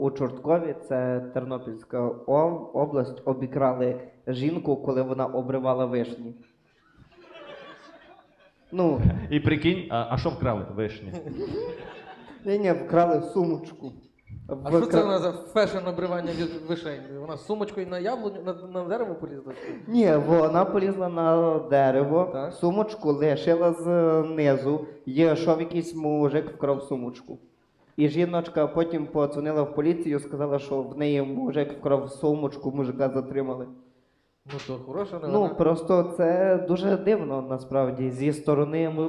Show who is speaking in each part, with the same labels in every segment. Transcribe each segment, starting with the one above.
Speaker 1: У Чорткові, це Тернопільська область, обікрали жінку, коли вона обривала вишні. Ну,
Speaker 2: І прикинь, а що вкрали? Вишні.
Speaker 1: ні, вкрали сумочку.
Speaker 3: А що це вона за фешн обривання від вишень? Вона з сумочкою на яблуню, на дерево полізла?
Speaker 1: Ні, вона полізла на дерево,
Speaker 3: Так.
Speaker 1: сумочку лишила знизу, йшов якийсь мужик, вкрав сумочку. І жіночка потім подзвонила в поліцію, сказала, що в неї мужик вкрав сумочку, мужика затримали.
Speaker 3: Ну то хороша новина.
Speaker 1: Ну, просто це дуже дивно, насправді, зі сторони...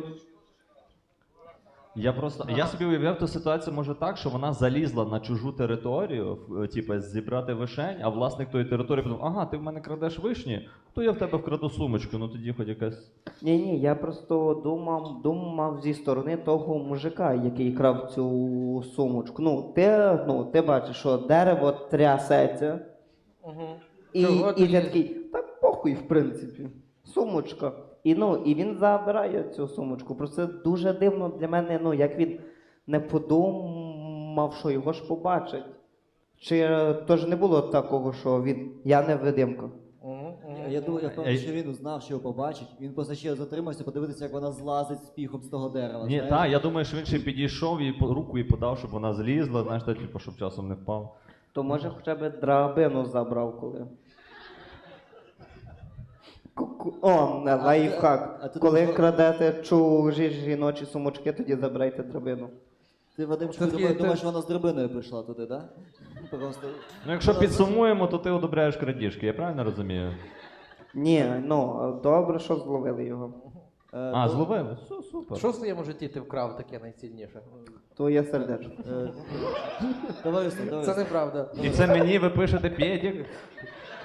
Speaker 2: Я собі уявляв ту ситуацію, може так, що вона залізла на чужу територію, типу, зібрати вишень, а власник тої території подумав, ага, ти в мене крадеш вишні, то я в тебе вкраду сумочку, ну тоді хоч якась...
Speaker 1: Ні, я просто думав зі сторони того мужика, який крав цю сумочку. Ти бачиш, що дерево трясеться,
Speaker 3: Угу.
Speaker 1: і
Speaker 3: Чого
Speaker 1: ти
Speaker 3: ти
Speaker 1: такий, та похуй, в принципі, сумочка. І він забирає цю сумочку. Просто це дуже дивно для мене, як він не подумав, що його ж побачить. Чи то ж не було такого, що я невидимка?
Speaker 4: Я думаю, я впевнений, що він узнав, що його побачить. Він просто ще затримався подивитися, як вона злазить з піхом з того дерева.
Speaker 2: Ні,
Speaker 4: знаєш?
Speaker 2: так, я думаю, що він ще підійшов і руку їй подав, щоб вона злізла, знаєш, та, типу, щоб часом не впав.
Speaker 1: То може хоча б драбину забрав коли. Лайфхак.
Speaker 4: а ти
Speaker 1: Коли
Speaker 4: думаєш,
Speaker 1: крадете чужі жіночі сумочки, тоді забирайте драбину.
Speaker 4: Ти, Вадимчику,
Speaker 3: Це
Speaker 4: думаєш, вона з драбиною прийшла туди, так? Да? Просто...
Speaker 2: Ну, якщо підсумуємо, то ти одобряєш крадіжки, я правильно розумію?
Speaker 1: Ні, добре, що зловили його.
Speaker 2: Зловили? Супер.
Speaker 3: Що в своєму житті ти вкрав таке найцінніше?
Speaker 1: Твоє сердечко.
Speaker 4: Товариство,
Speaker 3: Це неправда.
Speaker 2: І це мені ви пишете пєдік?